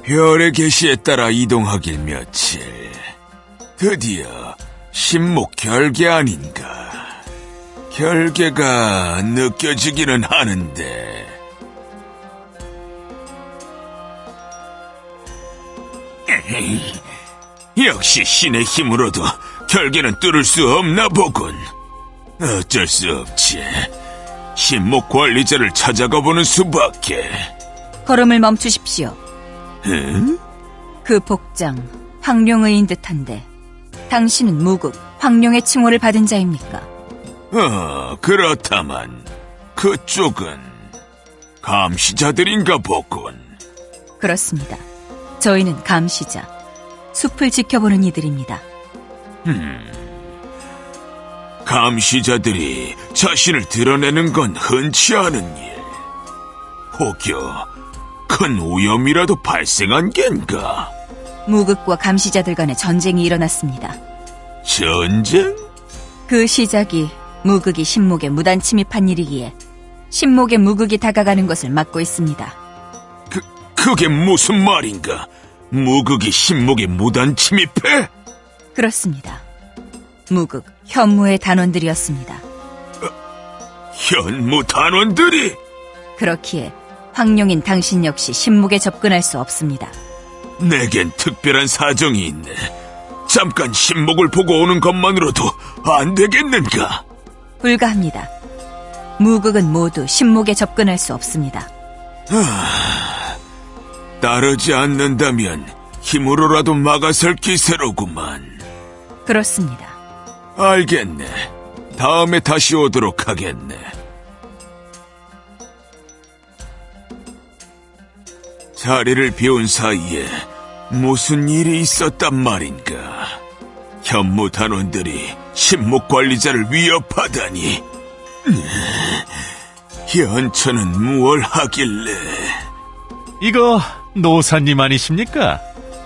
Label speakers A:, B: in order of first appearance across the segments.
A: 별의 계시에 따라 이동하길 며칠. 드디어 신목 결계 아닌가. 결계가 느껴지기는 하는데. 에헤이, 역시 신의 힘으로도 결계는 뚫을 수 없나 보군. 어쩔 수 없지. 신목 관리자를 찾아가 보는 수밖에.
B: 걸음을 멈추십시오.
A: 응?
B: 그 복장, 황룡의인 듯한데 당신은 무국, 황룡의 칭호를 받은 자입니까?
A: 그렇다만 그쪽은 감시자들인가 보군.
B: 그렇습니다. 저희는 감시자, 숲을 지켜보는 이들입니다.
A: 감시자들이 자신을 드러내는 건 흔치 않은 일. 혹여 큰 오염이라도 발생한 겐가?
B: 무국과 감시자들 간의 전쟁이 일어났습니다.
A: 전쟁?
B: 그 시작이 무국이 신목에 무단 침입한 일이기에 신목에 무국이 다가가는 것을 막고 있습니다.
A: 그게 무슨 말인가? 무국이 신목에 무단 침입해?
B: 그렇습니다. 무국, 현무의 단원들이었습니다.
A: 현무 단원들이?
B: 그렇기에 황룡인 당신 역시 신목에 접근할 수 없습니다.
A: 내겐 특별한 사정이 있네. 잠깐 신목을 보고 오는 것만으로도 안 되겠는가?
B: 불가합니다. 무국은 모두 신목에 접근할 수 없습니다.
A: 따르지 않는다면 힘으로라도 막아설 기세로구만.
B: 그렇습니다.
A: 알겠네. 다음에 다시 오도록 하겠네. 자리를 비운 사이에 무슨 일이 있었단 말인가? 현무 단원들이 신목 관리자를 위협하다니. 현처는 무얼 하길래?
C: 이거 노사님 아니십니까?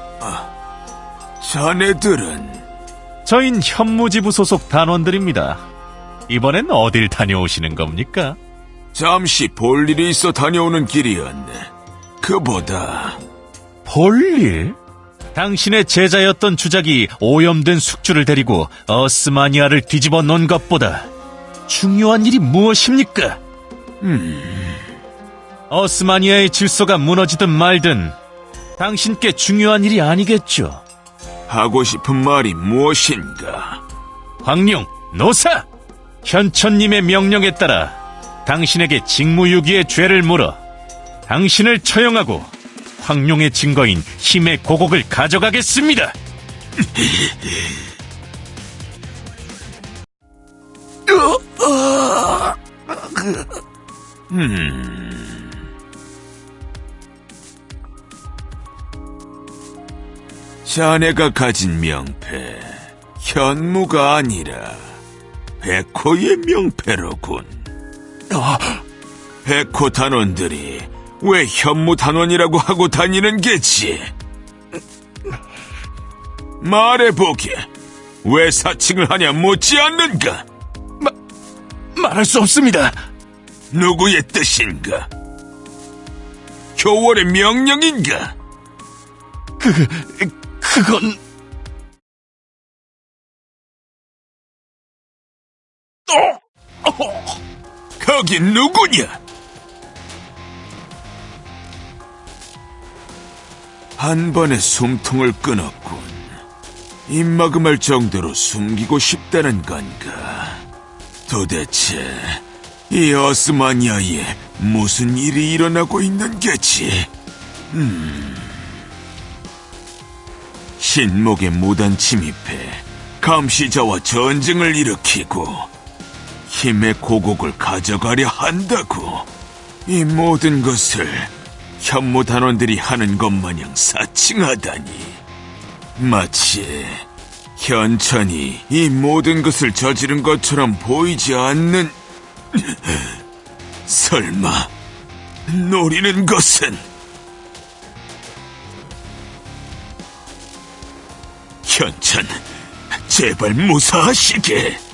A: 자네들은?
C: 저흰 현무지부 소속 단원들입니다. 이번엔 어딜 다녀오시는 겁니까?
A: 잠시 볼 일이 있어 다녀오는 길이었네. 그보다
C: 볼일? 당신의 제자였던 주작이 오염된 숙주를 데리고 어스마니아를 뒤집어 놓은 것보다 중요한 일이 무엇입니까? 어스마니아의 질서가 무너지든 말든 당신께 중요한 일이 아니겠죠.
A: 하고 싶은 말이 무엇인가?
C: 황룡, 노사! 현천님의 명령에 따라 당신에게 직무유기의 죄를 물어 당신을 처형하고 황룡의 증거인 힘의 고곡을 가져가겠습니다.
A: 자네가 가진 명패, 현무가 아니라 백호의 명패로군. 백호 단원들이 왜 현무 단원이라고 하고 다니는 게지? 말해보게. 왜 사칭을 하냐 묻지 않는가?
C: 말할 수 없습니다.
A: 누구의 뜻인가? 교월의 명령인가?
C: 그건...
A: 거기 누구냐? 한 번에 숨통을 끊었군. 입막음할 정도로 숨기고 싶다는 건가? 도대체 이 어스마니아에 무슨 일이 일어나고 있는 게지? 신목에 무단 침입해 감시자와 전쟁을 일으키고 힘의 고곡을 가져가려 한다고. 이 모든 것을 현무 단원들이 하는 것 마냥 사칭하다니. 마치 현천이 이 모든 것을 저지른 것처럼 보이지 않는... 설마 노리는 것은... 현천, 제발 무사하시게.